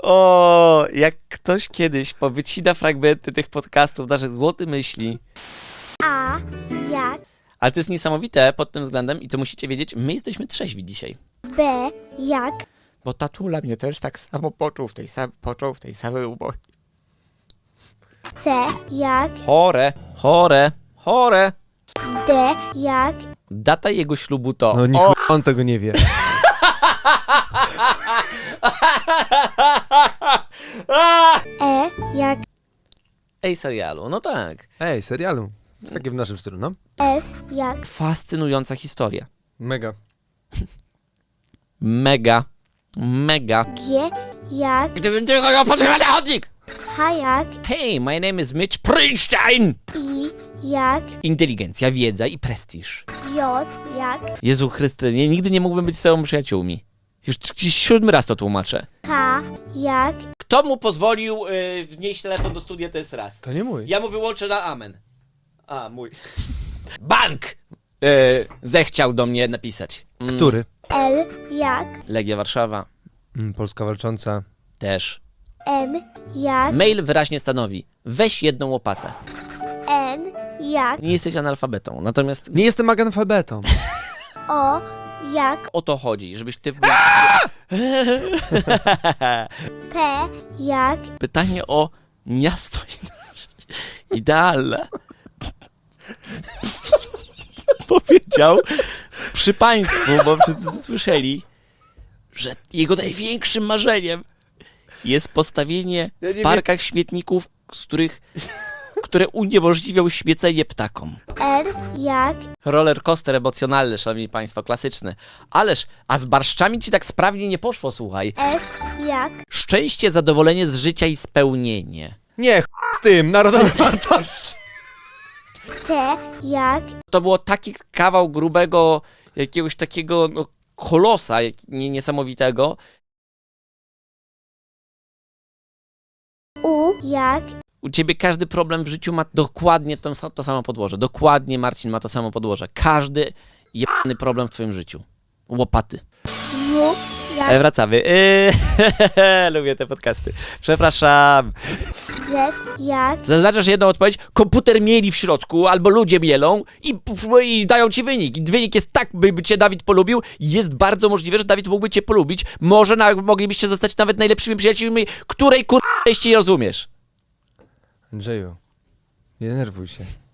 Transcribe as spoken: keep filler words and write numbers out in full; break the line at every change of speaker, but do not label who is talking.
O, jak ktoś kiedyś powycina fragmenty tych podcastów, naszych złoty myśli.
A jak
Ale to jest niesamowite pod tym względem i co musicie wiedzieć, my jesteśmy trzeźwi dzisiaj.
B jak
Bo tatula mnie też tak samo poczuł w tej, sam, począł w tej samej ubogi.
C jak
Chore, chore, chore.
D jak
Data jego ślubu to...
No niech
o,
on tego nie wie.
E jak
Ej, serialu, no tak.
Ej, serialu. Jest takie w naszym stylu, no?
F jak
Fascynująca historia.
Mega.
Mega, mega.
G jak
Gdybym tylko miał potrzebny chodnik!
H jak
Hey, my name is Mitch Prinstein!
I jak
Inteligencja, wiedza i prestiż.
J jak
Jezu Chryste, nie, nigdy nie mógłbym być z tobą przyjaciółmi. Już gdzieś siódmy raz to tłumaczę.
K jak
Kto mu pozwolił y, wnieść telefon do studia, to jest raz.
To nie mój.
Ja mu wyłączę na amen. A, mój. Bank! Y, zechciał do mnie napisać. Mm,
Który?
L jak
Legia Warszawa.
Mm, Polska walcząca.
Też.
M jak
Mail wyraźnie stanowi. Weź jedną łopatę.
N jak
Nie jesteś analfabetą, natomiast
Nie jestem analfabetą.
O jak
o to chodzi, żebyś ty...
P jak
Pytanie o miasto idealne. Powiedział przy państwu, bo wszyscy to słyszeli, że jego największym marzeniem jest postawienie
Ja nie
w
wiem-
parkach śmietników, z których, które uniemożliwią śmiecenie ptakom.
R jak
Roller coaster emocjonalny, szanowni państwo, klasyczny. Ależ, a z barszczami ci tak sprawnie nie poszło, słuchaj.
S jak
Szczęście, zadowolenie z życia i spełnienie.
Nie, ch... z tym, narodowe wartości.
T jak
To było taki kawał grubego, jakiegoś takiego no, kolosa jak, nie, niesamowitego.
U jak
U ciebie każdy problem w życiu ma dokładnie to, to samo podłoże. Dokładnie, Marcin, ma to samo podłoże. Każdy jebany problem w twoim życiu. Łopaty.
W
E,
jak
wracamy. Yy, lubię te podcasty. Przepraszam.
Z jak
Zaznaczasz jedną odpowiedź, komputer mieli w środku, albo ludzie mielą i, i dają ci wynik. I wynik jest tak, by, by cię Dawid polubił. Jest bardzo możliwe, że Dawid mógłby cię polubić. Może na, moglibyście zostać nawet najlepszymi przyjaciółmi, której kur... nie rozumiesz.
Andrzeju, nie denerwuj się.